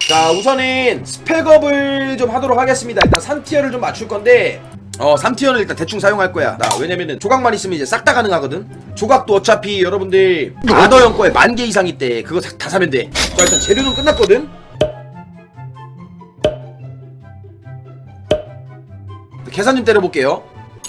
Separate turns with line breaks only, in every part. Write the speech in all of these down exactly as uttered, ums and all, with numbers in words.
자, 우선은 스펙업을 좀 하도록 하겠습니다. 일단 삼 티어를 좀 맞출 건데 어 삼 티어는 일단 대충 사용할 거야. 나 왜냐면은 조각만 있으면 이제 싹 다 가능하거든. 조각도 어차피 여러분들 아더형 거에 만 개 이상 있대. 그거 다, 다 사면 돼. 자, 일단 재료는 끝났거든. 계산 좀 때려볼게요.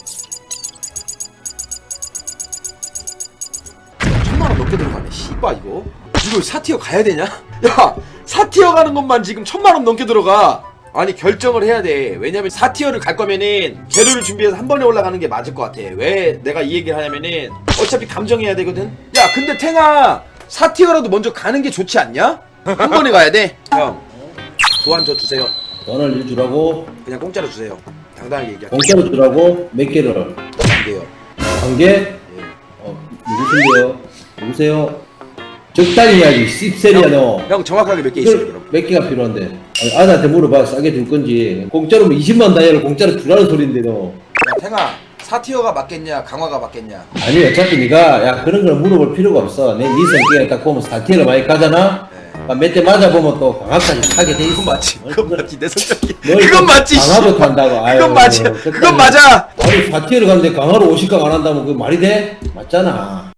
천만 원 넘게 들어가네. 씨발 이거 이거 사 티어 가야 되냐? 야, 사 티어 가는 것만 지금 천만 원 넘게 들어가. 아니 결정을 해야 돼. 왜냐면 사 티어를 갈 거면은 재료를 준비해서 한 번에 올라가는 게 맞을 것 같아. 왜 내가 이 얘기를 하냐면은 어차피 감정해야 되거든. 야, 근데 탱아 사 티어라도 먼저 가는 게 좋지 않냐? 한 번에 가야 돼. 형, 도안 저 주세요.
돈을 주라고?
그냥 공짜로 주세요. 당당하게 얘기할게요.
공짜로 주라고? 몇 개를?
안 돼요.
한 개?
예.
어, 누구신데요? 누구세요? 적당히 해야지, 씹새리야 너.
형 정확하게 몇 개 있어요 그럼?
몇 개가 필요한데? 아니, 아들한테 물어봐, 싸게 줄 건지. 공짜로 이십만 다이아를 공짜로 주라는 소린데 너.
야, 탱아 사 티어가 맞겠냐 강화가 맞겠냐?
아니, 어차피 네가 야 그런 걸 물어볼 필요가 없어. 내 네 성격에 딱 보면 사 티어를 많이 가잖아?
네.
몇 대 맞아보면 또 강압까지 하게 돼 있어.
그건 맞지. 그건 맞지. 내 성격이.
널
그건 맞지.
강화도
씨.
탄다고. 아유,
그건 맞지.
적당히.
그건 맞아.
아니, 사 티어를 가는데 강화로 오십 강 안 한다면 그게 말이 돼? 맞잖아.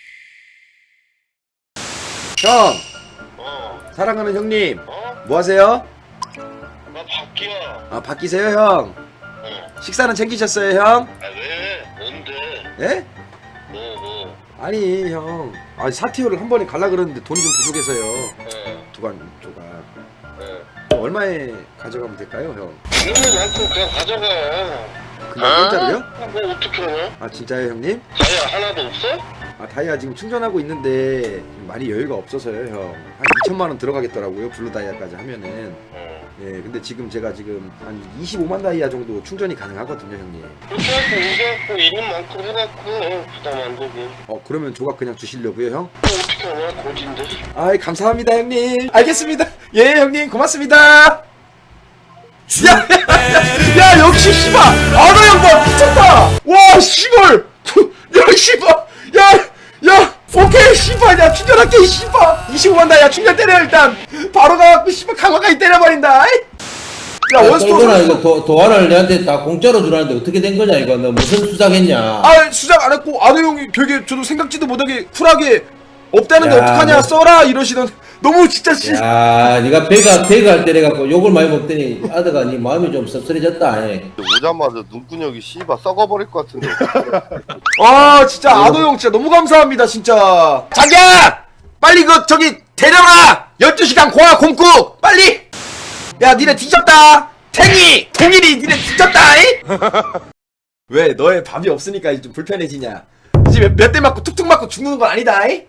형,
어,
사랑하는 형님,
어?
뭐 하세요?
나 밖이야.
아, 바뀌세요, 형.
어.
식사는 챙기셨어요, 형?
아, 왜? 뭔데?
예?
뭐, 뭐.
아니, 형. 아, 사 티어를 한 번에 갈라 그러는데 돈이 좀 부족해서요.
어,
두간 조각.
어.
얼마에 가져가면 될까요, 형?
있는 만큼 그냥 가져가.
그냥 공짜로요?
아, 뭐 어떻게 하냐?
아, 진짜요, 형님?
다이아 하나도 없어?
아, 다이아 지금 충전하고 있는데 많이 여유가 없어서요, 형. 한 이천만 원 들어가겠더라고요, 블루 다이아까지 하면은.
어.
예, 근데 지금 제가 지금 한 이십오만 다이아 정도 충전이 가능하거든요, 형님.
그렇게 해갖고 우겨갖고 있는 만큼 해갖고 어, 부담 안 되고.
어, 그러면 조각 그냥 주시려고요, 형?
뭐 어떻게 하냐? 고진데.
아이, 감사합니다, 형님. 알겠습니다. 예, 형님, 고맙습니다. 야, 야, 야, 역시 씨발, 아너 형봐 미쳤다. 와, 씨발, 야, 씨발, 야, 야, 오케이, 씨발, 야, 충전할게, 씨발. 이십오만 다이아 충전 때려 일단. 바로 가갖고 씨발 강화까지 때려버린다. 아이? 야, 원스톱
나 이거 도, 도안을 내한테 다 공짜로 주라는데 어떻게 된 거냐 이거? 너 무슨 수작했냐?
아, 수작 안 했고 아너 형이 되게 저도 생각지도 못하게 쿨하게 없다는데
야,
어떡하냐,
너-
써라 이러시던. 너무 진짜 씨.
야, 네가 배가 배가 할 때래갖고 욕을 많이 먹더니 아드가 네 마음이 좀 씁쓸해졌다. 에.
오자마자 눈구녕이 씨발 썩어버릴 것 같은데.
아, 진짜 아도 형 진짜 너무 감사합니다 진짜. 자기야, 빨리 그 저기 데려라. 열두 시간 고아 공국 빨리. 야, 니네 뒤졌다. 탱이 동일이 니네 뒤졌다. 이? 왜 너의 밥이 없으니까 좀 불편해지냐? 이제 몇 대 맞고 툭툭 맞고 죽는 건 아니다. 이?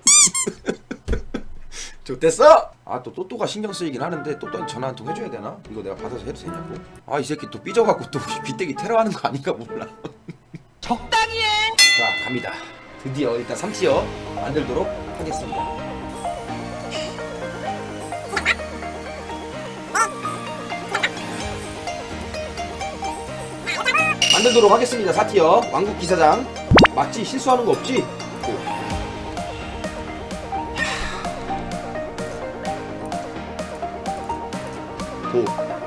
좋댔어? 아, 또 또또가 신경 쓰이긴 하는데 또또한테 전화 한 통 해줘야 되나? 이거 내가 받아서 해도 되냐고? 아, 이 새끼 또 삐져갖고 또 귀때기 테러하는 거 아닌가 몰라.
적당히 해.
자, 갑니다. 드디어 일단 삼 티어 만들도록 하겠습니다. 만들도록 하겠습니다. 사 티어 왕국 기사장. 맞지? 실수하는 거 없지? 오. 오.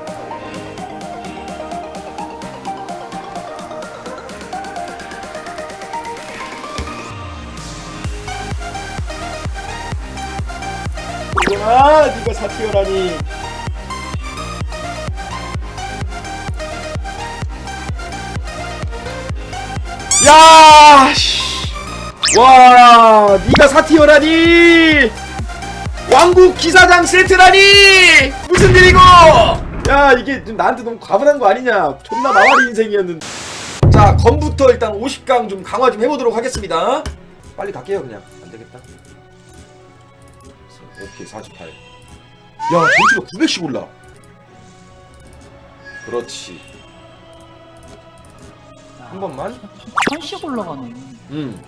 아, 니가 사 티어라니. 야, 씨. 와, 니가 사 티어라니. 왕국 기사장 세트라니. 무슨 일이고? 야, 이게 좀 나한테 너무 과분한 거 아니냐? 존나 마와리 인생이었는데. 자, 검부터 일단 오십 강 좀 강화 좀 해보도록 하겠습니다. 빨리 갈게요, 그냥. 안 되겠다. 오케이, 사십팔. 야, 전투가 구백씩 올라. 그렇지. 한 번만.
천씩 올라가네.
음.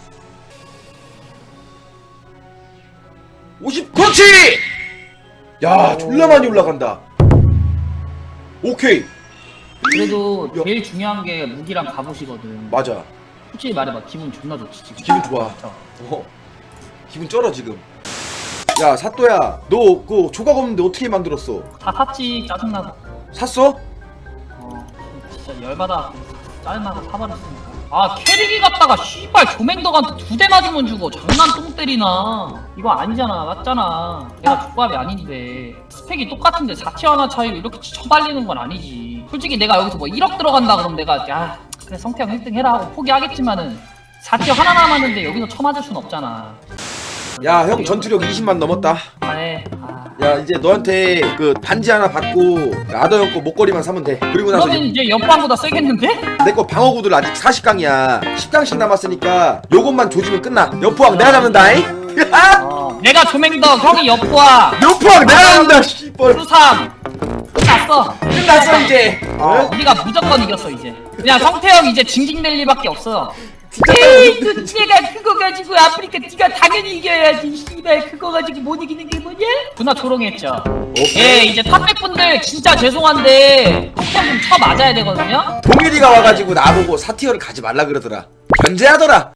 오십. 그렇지. 야, 졸라 많이 올라간다. 오케이.
그래도
야.
제일 중요한 게 무기랑 갑옷이거든.
맞아.
솔직히 말해봐, 기분 존나 좋지 지금.
기분 좋아.
진짜.
어. 기분 쩔어 지금. 야 사또야 너 그 조각 없는데 어떻게 만들었어?
다 샀지. 짜증나서.
샀어?
어 진짜 열받아. 짜증나서 사버렸으니까. 아 캐릭이 갔다가 씨발 조맹덕한테 두 대 맞으면 죽어. 장난 똥 때리나. 이거 아니잖아. 맞잖아. 내가 족밥이 아닌데 스펙이 똑같은데 사 티어 하나 차이로 이렇게 쳐발리는 건 아니지. 솔직히 내가 여기서 뭐 일억 들어간다 그러면 내가 야 그래 성태형 일 등 해라 하고 포기하겠지만은 사 티어 하나 남았는데 여기서 쳐맞을 순 없잖아.
야 형 전투력 이십만 넘었다.
아예 아.
야 이제 너한테 그 반지 하나 받고 아더 형 거 목걸이만 사면 돼. 그리고 나서
그러면 이제 옆방보다 세겠는데?
내 거 방어구들 아직 사십 강이야. 십 강씩 남았으니까 요것만 조지면 끝나. 여포왕 내가 잡는다잉.
어, 내가 조맹덕 형이 옆과
여포왕 내가 잡는다. 씨발.
수삼 끝났어.
끝났어 이제.
어, 우리가 무조건 이겼어 이제. 그냥 성태형 이제 징징댈 리밖에 없어.
진짜
에이 그 내가 그거 가지고 아프리카 네가 당연히 이겨야지. 씨발 그거 가지고 못 이기는 게 뭐냐? 누나 조롱했죠. 예 이제 탑백분들 진짜 죄송한데 성태형 좀 쳐 맞아야 되거든요.
동일이가 와가지고 나보고 사티어를 가지 말라 그러더라. 견제하더라.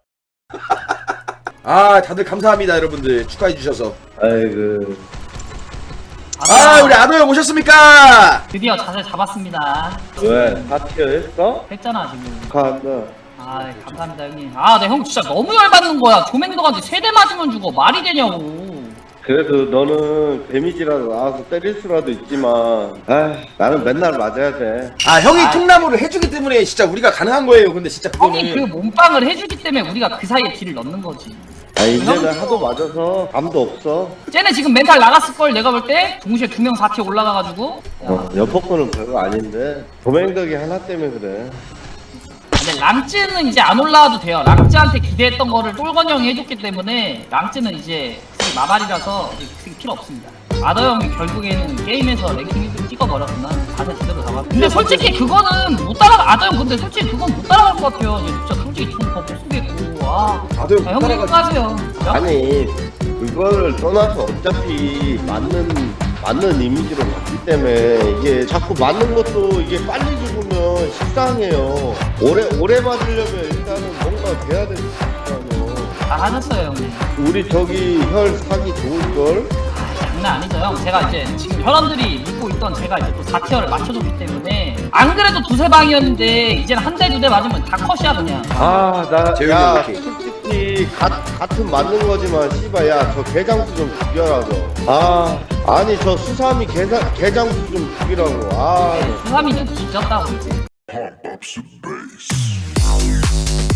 아 다들 감사합니다 여러분들 축하해 주셔서.
아이고.
아 우리 아더 형 오셨습니까?
드디어 자세 잡았습니다.
왜? 사티어 했어?
했잖아 지금.
축하한다.
아 감사합니다 형님. 아 내 형 진짜 너무 열받는 거야. 조맹덕한테 세 대 맞으면 죽어. 말이 되냐고.
그래도 너는 데미지라도 나와서 때릴 수라도 있지만, 아, 나는 맨날 맞아야 돼.
아 형이 통나무를 해주기 때문에 진짜 우리가 가능한 거예요. 근데 진짜
형이 그
그거는
몸빵을 해주기 때문에 우리가 그 사이에 딜을 넣는 거지.
아, 이제는 하도 맞아서 감도 없어.
쟤네 지금 멘탈 나갔을걸 내가 볼 때. 동시에 두 명 사 티어 올라가가지고.
어, 여포권은 별거 아닌데, 도맹덕이 하나 때문에 그래.
근데 랑쯔는 이제 안 올라와도 돼요. 랑쯔한테 기대했던 거를 똘건 형이 해줬기 때문에 랑쯔는 이제 그게 마발이라서 이제 그게 필요 없습니다. 아더 형이 결국에는 게임에서 랭킹 일 등 찍어버렸구나. 다시 제대로 잡아. 근데 솔직히 그거는 못 따라가. 아더 형 근데 솔직히 그건 못 따라갈 것 같아요. 얘 진짜 솔직히 좀더 못 쓰겠고. 와.
아더 형
아, 형님
따라가.
하세요.
아니, 그거를 떠나서 어차피 맞는, 맞는 이미지로 갔기 때문에 이게 자꾸 맞는 것도 이게 빨리 죽으면 식상해요. 오래, 오래 맞으려면 일단은 뭔가 돼야 되잖아요.
다 하셨어요 형님.
우리 저기 혈 사기 좋을걸?
장난 아니죠 형. 제가 이제 지금 혈원들이 믿고 있던 제가 이제 또 사 티어를 맞춰줬기 때문에 안 그래도 두세 방이었는데 이제는 한 대 두 대 맞으면 다 컷이야 그냥.
아, 나,
재윤이
야,
이렇게.
솔직히, 가, 같은 맞는 거지만, 씨발, 야, 저 개장수 좀 죽여라, 저. 아, 아니, 저 수삼이 개사, 개장수 좀 죽이라고. 아,
수삼이 좀 뒤졌다고 이제.
Pump up some bass.